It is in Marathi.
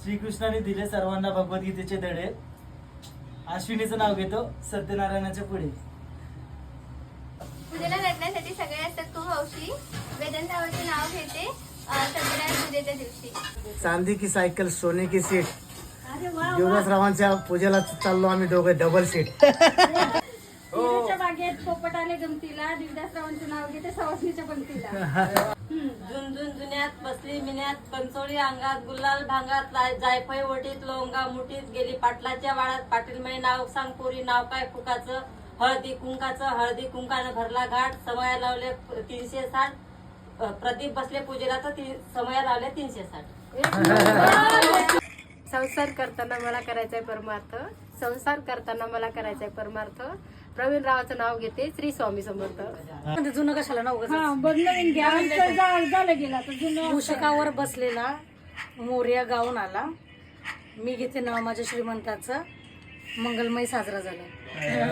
श्रीकृष्णाने दिले सर्वांना भगवद्गीतेचे धडे. अश्विनीचं नाव घेतो सत्यनारायणाच्या पुढे. पूजेला रडण्यासाठी सगळे असतात खूप हौशी. वेदांतावरचे नाव घेते सत्यनारायण पूजेच्या दिवशी. चांदी की सायकल सोने की सीट. देवदासरावांच्या पूजेला चाललो आम्ही दोघे डबल सीट. बागेत पोपट आले गमतीला. देवदासरावांचं नाव घेते सवासणीच्या पंक्तीला. झुंझुन जुन्यात बसली मिन्यात पंचोळी अंगात गुलाल भांगात जायफळ ओटीत लोंगा मुठीत गेली पाटलाच्या वाड्यात पाटीलमय नाव सांग पोरी नाव काय फुकाचं हळदी कुंकानं भरला घाट समया लावले 360 प्रदीप बसले पूजेला तर समया लावले 360. संसार करताना मला करायचंय परमार्थ. संसार करताना मला करायचंय परमार्थ. प्रवीण रावाचं नाव घेते श्री स्वामी समर्थ. जुनं कशाला नाव नवीन घ्या. झालं गेला तर जुनं. मूषकावर बसलेला मोर्या गाऊन आला. मी घेते नाव माझ्या श्रीमंताचं मंगलमय साजरा झाला.